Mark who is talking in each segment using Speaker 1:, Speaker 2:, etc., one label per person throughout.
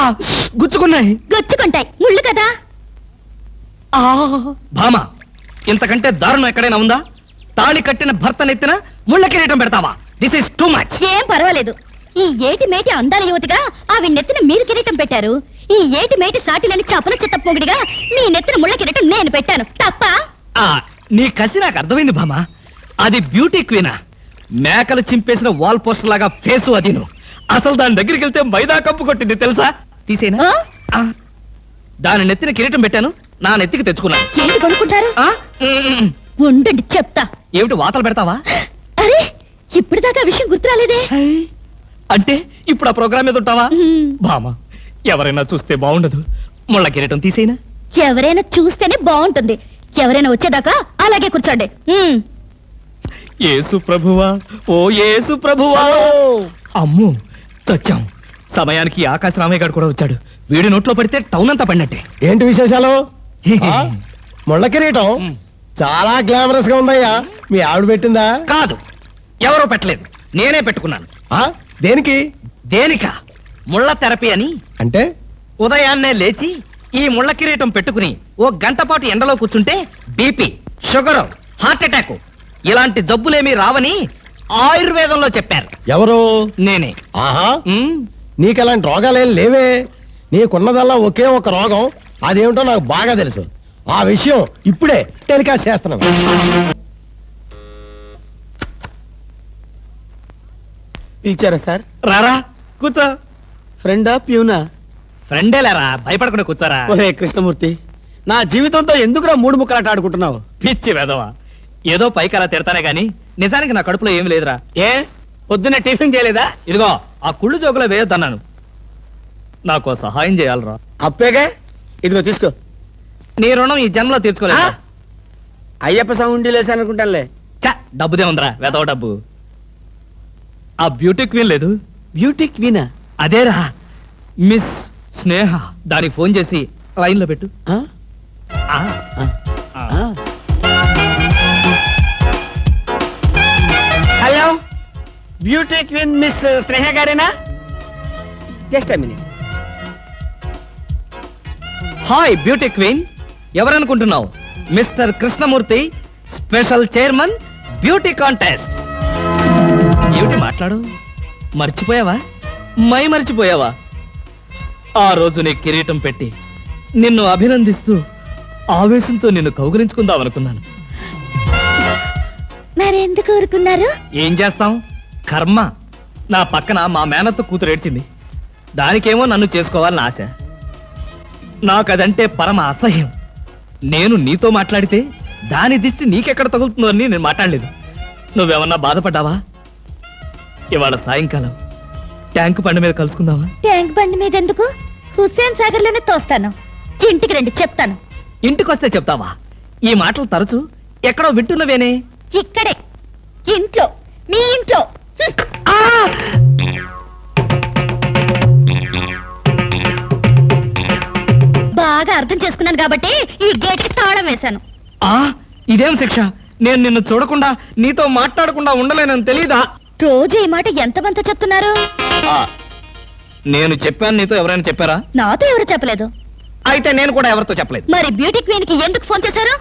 Speaker 1: గుచ్చుకున్నాయి.
Speaker 2: గుచ్చుకుంటాయి, ముళ్ళు కదా.
Speaker 1: భామ, ఇంతకంటే దారుణం ఎక్కడైనా ఉందా? తాళి కట్టిన భర్త నెత్తిన ముళ్ళ కిరీటం పెడతావా? This is too much.
Speaker 2: ఏం పర్వాలేదు. ఈ ఏటి మేటి అందాల యువతిగా ఆవి నెత్తిన మీరు కిరీటం పెట్టారు. ఈ ఏటి మేటి సాటిలని చపల చిత్త పొగిడిగా మీ నెత్తిన ముళ్ళ కిరీటం నేను పెట్టాను. తప్ప?
Speaker 1: నీ కసి నాకు అర్థమైంది భామ. అది బ్యూటీ క్వీనా? మేకలు చింపేసిన వాల్ పోస్టర్ లాగా ఫేసు అది. అసలు దాని దగ్గరికి వెళ్తే మైదా కప్పు కొట్టింది తెలుసా? తీసేనా? దాని నెత్తిన కిరీటం పెట్టాను, నా నెత్తికి తెచ్చుకున్నాను.
Speaker 2: ఏంటి కొనుక్కుంటారు? ఉండండి చెప్తా.
Speaker 1: ఏమిటి వాతలు పెడతావా?
Speaker 2: అరే, ఇప్పటిదాకా విషయం గుర్తురాలేదే.
Speaker 1: అంటే ఇప్పుడు ఆ ప్రోగ్రామ్ మీద ఉంటావా? భామ, ఎవరైనా చూస్తే బాగుండదు. ముళ్ళ కిరీటం తీసేనా?
Speaker 2: ఎవరైనా చూస్తేనే బాగుంటుంది. ఎవరైనా వచ్చేదాకా అలాగే కూర్చోండి.
Speaker 1: యేసు ప్రభువా, ఓ యేసు ప్రభువా. అమ్ము, చచ్చాం. సమయానికి ఆకాశ రామయ్య గారు కూడా వచ్చాడు. వీడి నోట్లో పడితే టౌన్ అంతా పడినట్టే.
Speaker 3: ఏంటి విశేషాలు? ముళ్ళ కిరీటం చాలా గ్లామరస్ గా ఉందయ్యా. మీ ఆవిడ పెట్టిందా?
Speaker 1: కాదు, ఎవరో పెట్టలేదు, నేనే పెట్టుకున్నాను.
Speaker 3: దేనికి?
Speaker 1: దేనికా? ముళ్ళ థెరపీ అని.
Speaker 3: అంటే
Speaker 1: ఉదయాన్నే లేచి ఈ ముళ్ళ కిరీటం పెట్టుకుని ఓ గంట పాటు ఎండలో కూర్చుంటే బీపీ, షుగర్, హార్ట్ అటాక్ ఇలాంటి జబ్బులేమీ రావని ఆయుర్వేదంలో చెప్పారు.
Speaker 3: ఎవరు?
Speaker 1: నేనే.
Speaker 3: ఆహా, నీకలాంటి రోగాలేం లేవే. నీకున్నదల్లా ఒకే ఒక రోగం. అదేమిటో నాకు బాగా తెలుసు. ఆ విషయం ఇప్పుడే టెలికాస్ట్ చేస్తున్నాను.
Speaker 4: పిలిచారా సార్?
Speaker 1: రారా, కూర్చో.
Speaker 4: ఫ్రెండా ప్యూనా?
Speaker 1: ఫ్రెండే లేరా, భయపడకుండా కూర్చోరా.
Speaker 4: ఒరే కృష్ణమూర్తి, నా జీవితంతో ఎందుకురా మూడు ముక్కలాట ఆడుకుంటున్నావు?
Speaker 1: పిచ్చి వెదవా, ఏదో పైకి అలా తిడతానే గాని నిజానికి నా కడుపులో ఏమి లేదురా.
Speaker 4: ఏ పొద్దున్నే టిఫిన్ చేయలేదా?
Speaker 1: ఇదిగో ఆ కుళ్ళు జోకులో వేయొద్దన్నాను. నాకు సహాయం చేయాలరా.
Speaker 4: అప్పేగా, ఇదిగో తీసుకో.
Speaker 1: నీ రుణం ఈ జన్మలో తీర్చుకోలేదు.
Speaker 4: అయ్యప్ప సౌండి లేసానుకుంటానులే.
Speaker 1: డబ్బుదే ఉందిరా, వెదవ డబ్బు. ఆ బ్యూటీ క్వీన్ లేదు?
Speaker 4: బ్యూటీ క్వీనా?
Speaker 1: అదేరా, మిస్ స్నేహ. దానికి ఫోన్ చేసి లైన్ లో పెట్టు.
Speaker 4: Hello, beauty queen miss Sneha గారేనా? Just minute.
Speaker 1: Hi beauty queen, ఎవరనుకుంటున్నావు? Mister Krishnamurthy, special chairman, beauty contest. ఏమిటి మాట్లాడు? మర్చిపోయావా? మర్చిపోయావా? ఆ రోజు నీ కిరీటం పెట్టి నిన్ను అభినందిస్తూ ఆవేశంతో నిన్ను కౌగిలించుకుందాం అనుకున్నాను.
Speaker 2: మరెందుకు ఊరుకున్నారు?
Speaker 1: ఏం చేస్తాం, కర్మ. నా పక్కన మా మేనత్త కూతురు ఏడ్చింది. దానికేమో నన్ను చేసుకోవాలని ఆశ. నాకదంటే పరమ అసహ్యం. నేను నీతో మాట్లాడితే దాని దిష్టి నీకెక్కడ తగులుతుందో అని నేను మాట్లాడలేదు. నువ్వేమన్నా బాధపడ్డావా? ఇవాళ సాయంకాలం ట్యాంకు బండి మీద కలుసుకుందావా?
Speaker 2: ట్యాంక్ బండి మీద ఎందుకు? హుస్సేన్ సాగర్ లోనే తోస్తాను. ఇంటికి రండి, చెప్తాను.
Speaker 1: ఇంటికొస్తే చెప్తావా? ఈ మాటలు తరచు ఎక్కడో వింటున్నవేనే.
Speaker 2: ఇక్కడే, ఇంట్లో, మీ ఇంట్లో. బాగా అర్థం చేసుకున్నాను కాబట్టి ఈ గేట్ కి తాళం వేశాను.
Speaker 1: ఇదేం శిక్ష? నేను నిన్ను చూడకుండా నీతో మాట్లాడకుండా ఉండలేనని తెలీదా?
Speaker 2: రోజు ఈ మాట ఎంతమంత చెప్తున్నారు?
Speaker 1: నేను చెప్పాను, నీతో ఎవరైనా చెప్పారా?
Speaker 2: నాతో ఎవరు చెప్పలేదు.
Speaker 1: అయితే నేను కూడా ఎవరితో చెప్పలేదు.
Speaker 2: మరి బ్యూటీ క్వీన్ కి ఎందుకు ఫోన్ చేశారు?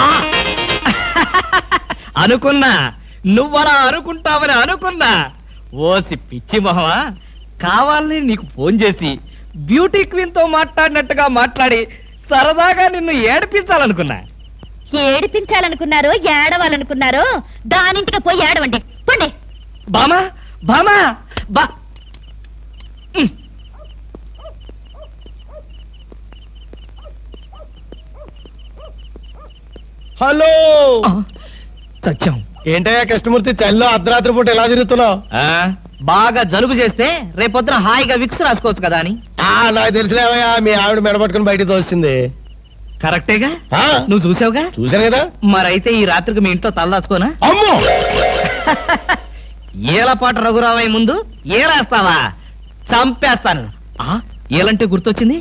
Speaker 1: అనుకున్నా, నువ్వలా అనుకుంటావని అనుకున్నా. ఓసి పిచ్చి మొహమా, కావాలని నీకు ఫోన్ చేసి బ్యూటీ క్వీన్ తో మాట్లాడినట్టుగా మాట్లాడి సరదాగా నిన్ను ఏడిపించాలనుకున్నా.
Speaker 2: ఏడిపించాలనుకున్నారు, ఏడవాలనుకున్నారు. దానింటికి పోయి ఏడవండి, పండి.
Speaker 1: బామా, బామా, బా.
Speaker 3: హలో,
Speaker 1: సత్యం.
Speaker 3: ఏంటయ్యా కృష్ణమూర్తి, చల్లో అర్ధరాత్రి పూట ఎలా తిరుగుతున్నావు?
Speaker 1: బాగా జలుబు చేస్తే రేపొద్దున హాయిగా విక్స్ రాసుకోవచ్చు కదా అని.
Speaker 3: నాకు తెలిసిలేవయ్యా, మీ ఆవిడ మెడబట్టుకుని బయటకు తోస్తుంది.
Speaker 1: కరెక్టేగా, నువ్వు చూసావుగా.
Speaker 3: చూశాను కదా.
Speaker 1: మరైతే ఈ రాత్రికి మీ ఇంట్లో తలదాచుకోనా?
Speaker 3: అమ్మో,
Speaker 1: ఏలపాటు రఘురావయ్య ముందు ఏలేస్తావా? చంపేస్తాను. ఏలంటే గుర్తొచ్చింది.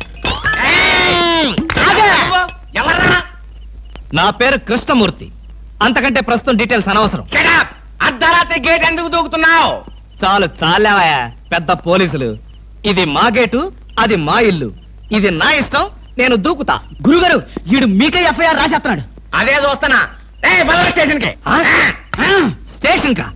Speaker 1: నా పేరు కృష్ణమూర్తి. అంతకంటే ప్రస్తుతం డీటెయిల్స్ అనవసరం.
Speaker 5: అర్ధరాత్రి గేట్ ఎందుకు దూకుతున్నావు?
Speaker 1: చాలు చాలేవయ్యా పెద్ద పోలీసులు. ఇది మా గేటు, అది మా ఇల్లు. ఇది నా ఇష్టం, నేను దూకుతా.
Speaker 4: గురుగారు వీడు మీకే ఎఫ్ఐఆర్ రాసేస్తున్నాడు.
Speaker 5: అదే చూస్తున్నా. స్టేషన్ కి
Speaker 1: స్టేషన్ కా?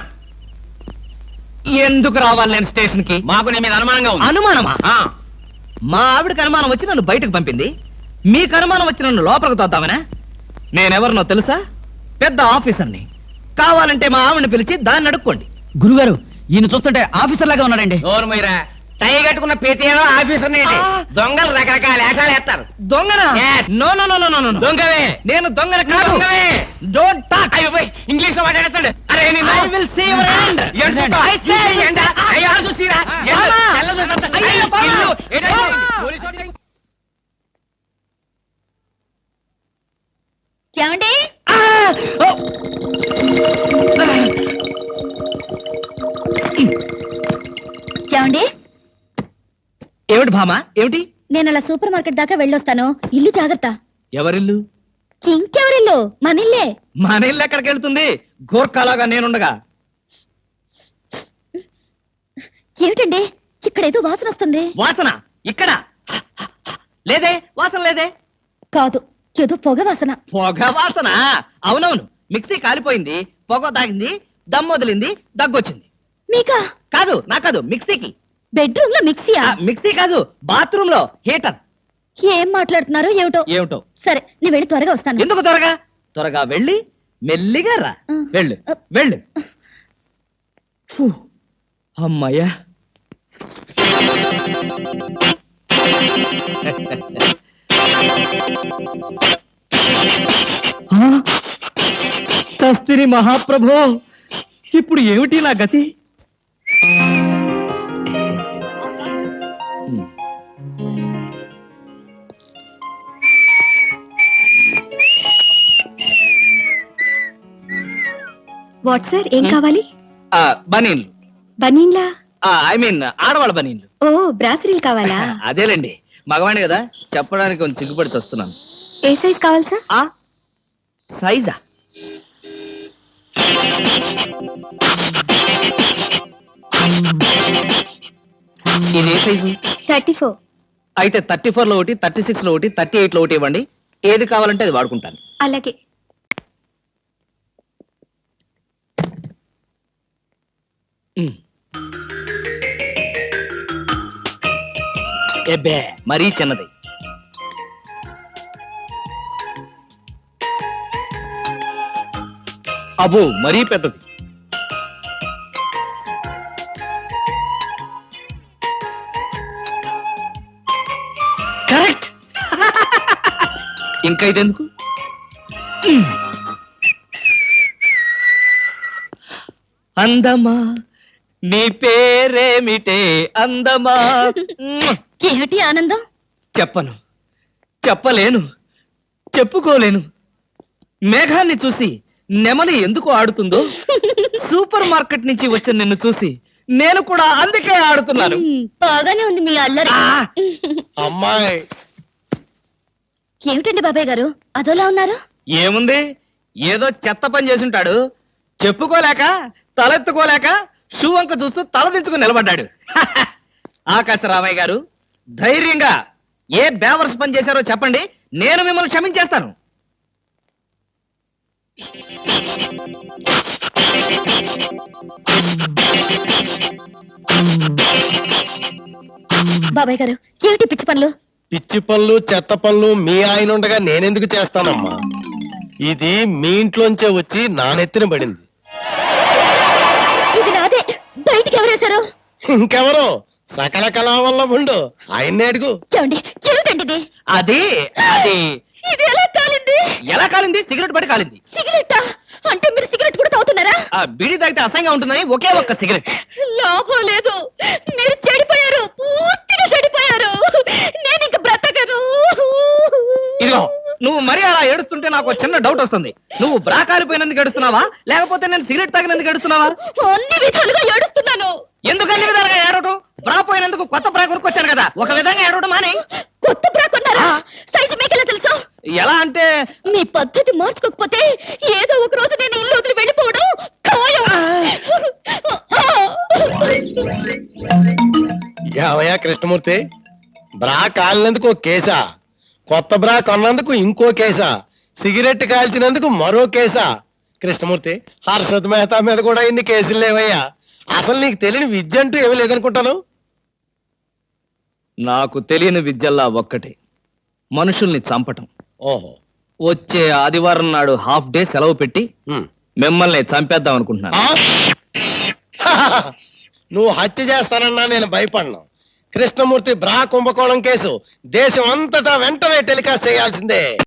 Speaker 1: ఎందుకు రావాలి నేను స్టేషన్ కి?
Speaker 5: మాకు నీ మీద అనుమానంగా ఉంది.
Speaker 1: అనుమానమా?
Speaker 5: ఆ,
Speaker 1: మా ఆవిడకి అనుమానం వచ్చి నన్ను బయటకు పంపింది. మీకు అనుమానం వచ్చి నన్ను లోపలికి తోద్దామనా? నేనెవరినో తెలుసా? పెద్ద ఆఫీసర్ని. కావాలంటే మా ఆవిడని పిలిచి దాన్ని అడుక్కోండి.
Speaker 4: గురుగారు ఈయన చూస్తుంటే ఆఫీసర్ లాగా ఉన్నాడండి.
Speaker 5: నోరు మీరా. టై కట్టుకున్న ప్రతిలో ఆఫీసర్ దొంగలు రకరకాల వేషాలు వేస్తారు.
Speaker 1: దొంగనా?
Speaker 5: Yes.
Speaker 1: No no no no no no.
Speaker 5: దొంగవే.
Speaker 1: నేను దొంగన కాదు.
Speaker 5: దొంగవే.
Speaker 1: Don't talk.
Speaker 5: అయ్యో పోయ్, ఇంగ్లీష్ లో మాట్లాడతాడు. అరే
Speaker 1: I will see your hand. I say.
Speaker 5: చూసిరా
Speaker 1: బామా. అయ్యో, బామా.
Speaker 2: ఏమండి? ఏమండి?
Speaker 1: ఏమిటి భామా? ఏమిటి?
Speaker 2: నేను అలా సూపర్ మార్కెట్ దాకా వెళ్ళొస్తాను. ఇల్లు జాగ్రత్త.
Speaker 1: ఎవరిల్లు?
Speaker 2: ఇంకెవరిల్లు? మనిల్లే.
Speaker 1: మన ఇల్లు ఎక్కడికి వెళ్తుంది? గోర్ఖాలాగా నేనుండగా.
Speaker 2: ఏమిటండి ఇక్కడ ఏదో వాసన వస్తుంది?
Speaker 1: వాసన ఇక్కడ లేదే. వాసన లేదే.
Speaker 2: కాదు, ఏదో పొగ వాసన.
Speaker 1: పొగ వాసన? అవునవును, మిక్సీ కాలిపోయింది, పొగ తాగింది, దమ్ వదిలింది, దగ్గొచ్చింది.
Speaker 2: మీకా?
Speaker 1: కాదు, నా కాదు, మిక్సీకి.
Speaker 2: బెడ్రూమ్ లో మిక్సీయా?
Speaker 1: మిక్సీ కాదు, బాత్రూమ్ లో హీటర్.
Speaker 2: ఏం మాట్లాడుతున్నారు ఏమిటో?
Speaker 1: ఏమిటో?
Speaker 2: సరే, నేను వెళ్ళి త్వరగా వస్తాను.
Speaker 1: ఎందుకు త్వరగా? త్వరగా వెళ్ళి మెల్లిగా రా. వెళ్ళు వెళ్ళు. ఫు, అమ్మయ్యా. చస్తిని మహాప్రభో, ఇప్పుడు ఏమిటి నా గతి?
Speaker 2: వాట్ సార్, ఏం కావాలి?
Speaker 1: బనీన్లు.
Speaker 2: బనీన్లా?
Speaker 1: ఐ మీన్ ఆడవాళ్ళ బనీన్లు.
Speaker 2: ఓ, బ్రాసరీలు కావాలా?
Speaker 1: అదేలేండి, మగవాణి కదా, చెప్పడానికి కొంచెం సిగ్గుపడి వస్తున్నాను.
Speaker 2: ఏ సైజ్ కావాలి సార్?
Speaker 1: సైజా? ఇది ఏ సైజు?
Speaker 2: 34.
Speaker 1: అయితే 34 లో ఒకటి, 36 లో ఒకటి, 38 లో ఒకటి ఇవ్వండి. ఏది కావాలంటే అది వాడుకుంటాను.
Speaker 2: అలాగే.
Speaker 1: ఎబ్బే, మరీ చిన్నది. అబ్బో, మరీ పెద్దది. కరెక్ట్. ఇంకా ఇదెందుకు? అందమా నీ పేరేమిటే అందమా?
Speaker 2: ఏమిటి ఆనందం?
Speaker 1: చెప్పను, చెప్పలేను, చెప్పుకోలేను. మేఘాన్ని చూసి నెమలి ఎందుకు ఆడుతుందో, సూపర్ మార్కెట్ నుంచి వచ్చిన నిన్ను చూసి నేను కూడా అందుకే ఆడుతున్నాను.
Speaker 2: బాగానే ఉంది మీ అల్లరి.
Speaker 3: అమ్మాయి
Speaker 2: ఏమిటండి బాబాయ్ గారు అదోలా ఉన్నారు?
Speaker 1: ఏముంది, ఏదో చెత్త పని చేసుంటాడు, చెప్పుకోలేక తలెత్తుకోలేక షూ వంక చూస్తూ తలదించుకుని నిలబడ్డాడు. ఆకాశరామయ్య గారు, ధైర్యంగా ఏ బేవర్స్ పని చేశారో చెప్పండి, నేను మిమ్మల్ని క్షమించేస్తాను.
Speaker 2: బాబాయ్ గారు ఏమిటి పిచ్చి పనులు?
Speaker 3: పిచ్చి పనులు చెత్త పనులు మీ ఆయన ఉండగా నేనెందుకు చేస్తానమ్మా? ఇది మీ ఇంట్లోంచే వచ్చి నా నెత్తిన పడింది.
Speaker 2: ఇది నాదే, బయటికి ఎవరేశారు?
Speaker 3: ఇంకెవరో సకల కళావల్లభుండు, ఆయన్నే అడుగు.
Speaker 2: ఏమండి, ఏమిటండి ఇది?
Speaker 1: అది అది
Speaker 2: ఇది ఎలా కాలింది?
Speaker 1: ఎలా కాలింది? సిగరెట్ పడి కాలింది.
Speaker 2: సిగరెట్టా? అంటే మీరు సిగరెట్ కూడా తాగుతున్నారా?
Speaker 1: ఆ బీడీ తాగితే అసహ్యంగా ఉంటుందని ఒకే ఒక్క సిగరెట్.
Speaker 2: లాభం లేదు, మీరు చెడిపోయారు, పూర్తిగా చెడిపోయారు. నేను ఇంక బ్రతకను.
Speaker 1: ఇదిగో, నువ్వు మరీ అలా ఏడుస్తుంటే నాకు ఒక చిన్న డౌట్ వస్తుంది. నువ్వు బ్రా కాలిపోయినందుకు ఏడుస్తున్నావా, లేకపోతే నేను సిగరెట్ తాగినందుకు ఏడుస్తున్నావా?
Speaker 2: అన్ని విధాలుగా ఏడుస్తున్నాను.
Speaker 1: ఎందుకు అన్ని విధాలుగా ఏడవటం? బ్రా పోయినందుకు కొత్త బ్రా కొనుక్కొచ్చాను కదా, ఒక విధంగా ఏడవడం మాని.
Speaker 2: కొత్త బ్రా కొన్నారా? సైజు మీకెలా తెలుసు?
Speaker 1: ఎలా అంటే
Speaker 2: మీ పద్ధతి మార్చుకోకపోతే ఏదో
Speaker 3: ఏమయ్యా కృష్ణమూర్తి, బ్రా కాలినందుకు ఒక కేసా, కొత్త బ్రా కొన్నందుకు ఇంకో కేసా, సిగరెట్ కాల్చినందుకు మరో కేసా? కృష్ణమూర్తి, హర్షద్ మెహతా మీద కూడా ఇన్ని కేసులు లేవయ్యా. అసలు నీకు తెలియని విద్య అంటూ ఏమీ లేదనుకుంటాను.
Speaker 1: నాకు తెలియని విద్యల్లా ఒక్కటే, మనుషుల్ని చంపటం.
Speaker 3: ఓహో.
Speaker 1: వచ్చే ఆదివారం నాడు హాఫ్ డే సెలవు పెట్టి
Speaker 3: ఉమ్.
Speaker 1: మిమ్మల్ని చంపేద్దాం అనుకుంటున్నాను.
Speaker 3: ఆ? నువ్వు హత్య చేస్తానన్నా నేను భయపడను. కృష్ణమూర్తి బ్రా కుంభకోణం కేసు దేశం అంతటా వెంటనే టెలికాస్ట్ చేయాల్సిందే.